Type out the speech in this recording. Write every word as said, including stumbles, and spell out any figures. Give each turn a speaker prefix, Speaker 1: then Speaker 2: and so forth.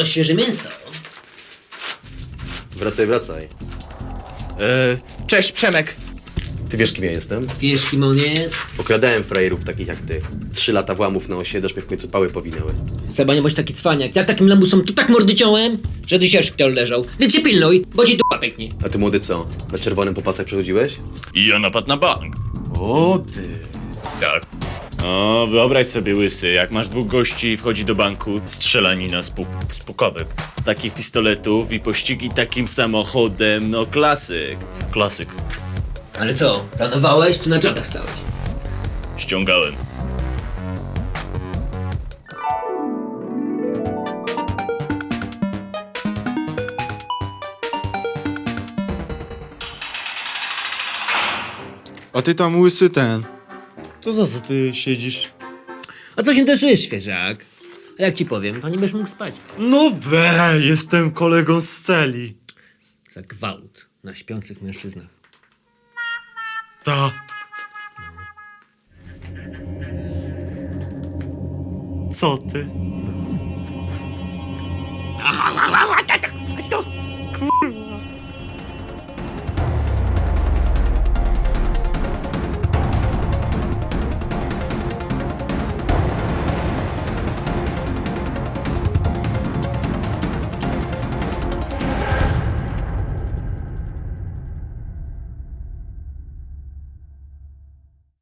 Speaker 1: O, świeże mięso.
Speaker 2: Wracaj, wracaj.
Speaker 3: E, cześć, Przemek.
Speaker 2: Ty wiesz, kim ja jestem?
Speaker 1: Wiesz, kim on jest?
Speaker 2: Okradałem frajerów takich jak ty. Trzy lata włamów na osiedle, aż mnie w końcu pały powinęły.
Speaker 1: Seba, nie bądź taki cwaniak. Ja takim lamusom tu tak mordy ciąłem, że ty się szpital leżał. Więc się pilnuj, bo ci dupa pęknie.
Speaker 2: A ty młody co? Na czerwonym po pasach przechodziłeś?
Speaker 3: I ja napad na bank.
Speaker 2: O ty.
Speaker 3: Tak. O, wyobraź sobie, łysy, jak masz dwóch gości i wchodzi do banku, strzelanina z, pu- z pukawek. Takich pistoletów i pościgi takim samochodem, no klasyk. Klasyk.
Speaker 1: Ale co, planowałeś czy na czatach stałeś?
Speaker 3: Ściągałem.
Speaker 4: A ty tam łysy ten. To za co ty siedzisz?
Speaker 1: A co się interesujesz, świeżak? A jak ci powiem, to nie będziesz mógł spać.
Speaker 4: No be, jestem kolegą z celi.
Speaker 1: Za gwałt na śpiących mężczyznach.
Speaker 4: Ta. Co ty? Kurwa.